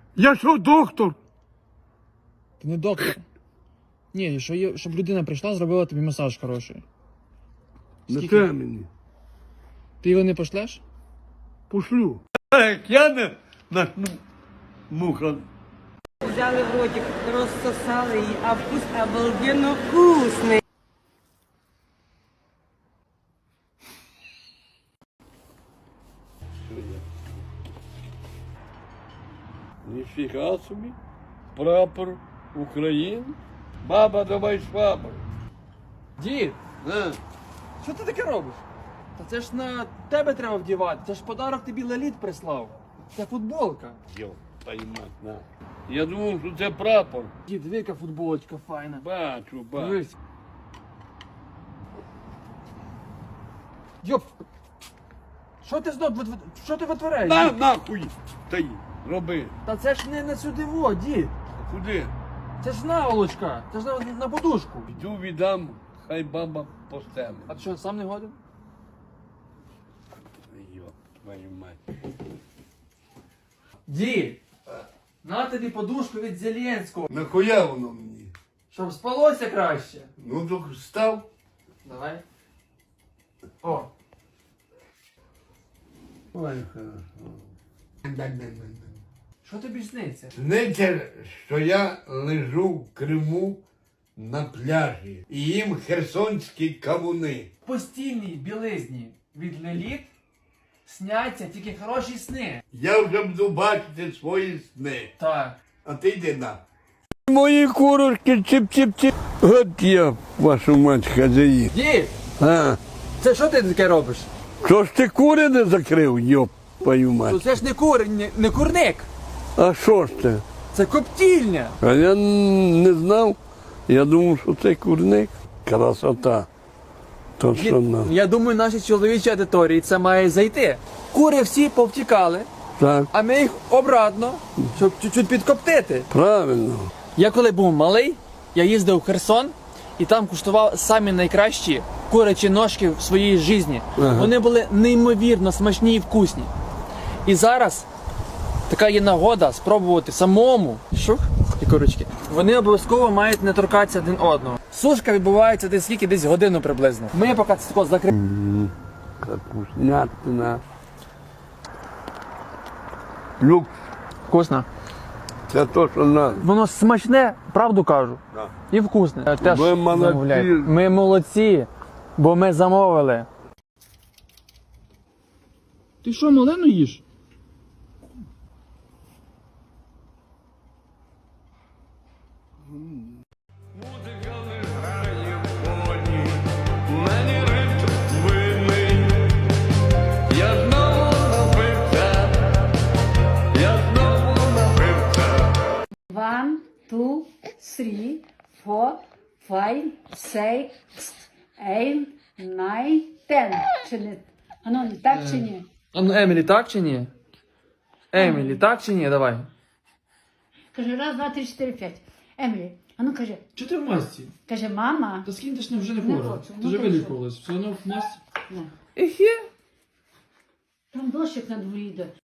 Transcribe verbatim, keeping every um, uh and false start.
Я що, доктор? Ти не доктор. Ні, що є, щоб людина прийшла, зробила тобі масаж хороший. Не Скільки? те мені. Ти його не пошлеш? Пошлю. Як я не начну муха. Взяли в ротик, розсосали її, а вкус обалденно вкусний. Ніфіга собі. Прапор України. Баба, давай швабру. Дід, А? що ти таке робиш? Та це ж на тебе треба вдівати. Це ж подарок тобі Леліт прислав. Це футболка. Йо, поймать, на. Я думав, що це прапор. Дід, диви, яка футболочка файна. Бачу, бачу. Дивись. Йоп! Що ти знов, вит- що ти витворяєш? На, дід? нахуй! Та й, роби. Та це ж не на сюди во, дід. Куди? Це ж наволочка. Це ж на, на подушку. Йду віддам, хай баба постелить. А ти що, сам не годен? Йо, твою мать. Дід! На тобі подушку від Зеленського. Нахуя воно мені? Щоб спалося краще. Ну, так став. Давай. О. Ой, хорошо. Що тобі сниться? Сниться, що я лежу в Криму на пляжі і їм херсонські кавуни. В постільній білизні від Леліт сняться тільки хороші сни. Я вже буду бачити свої сни. Так. А ти йди на. Мої курочки чіп-чіп-чіп. От я, вашу мать, хазяїн. Дід! А, Це що ти таке робиш? що ж ти кури не закрив, йоп, твою Ну мать. це ж не кур, не, не курник. А що ж це? Це коптільня. А я не знав. Я думав, що це курник. Красота. То Дід, що нам. я думаю, нашій чоловічій аудиторії це має зайти. Кури всі повтікали, Так, а ми їх обратно, щоб чуть-чуть підкоптити. правильно. Я коли був малий, я їздив в Херсон і там куштував самі найкращі курячі ножки в своїй житті. Ага. Вони були неймовірно смачні і вкусні. І зараз така є нагода спробувати самому. Шух, і курочки. Вони обов'язково мають не торкатися один одного. Сушка відбувається десь скільки, десь годину приблизно. Ми поки це тако закриємо. Капуснятина. Люк, Вкусно. це то, що надо. Воно смачне, правду кажу. Да. І вкусне. Теж Ви молодці. замовляйте. Ми молодці, бо ми замовили. Ти що, малину їш? Музика не грає в фоні, мені ритм винний. Я знову напився, я знову напився. One, two, three, four, five, six, eight, nine, ten. Чи не? Ану, не так чи ні? А ну, Емілі, так чи ні? Емілі, так чи ні? Давай. Каже, раз, два, три, чотири, п'ять. Емілі, ану каже, Чи ти в масці? каже, мама. Та скинь, ти ж не вже не Не хвора. хочу, Ти ну вже ти вилікувалась. Все одно в масці. Не. Ехе. Там дощик на дворі йде.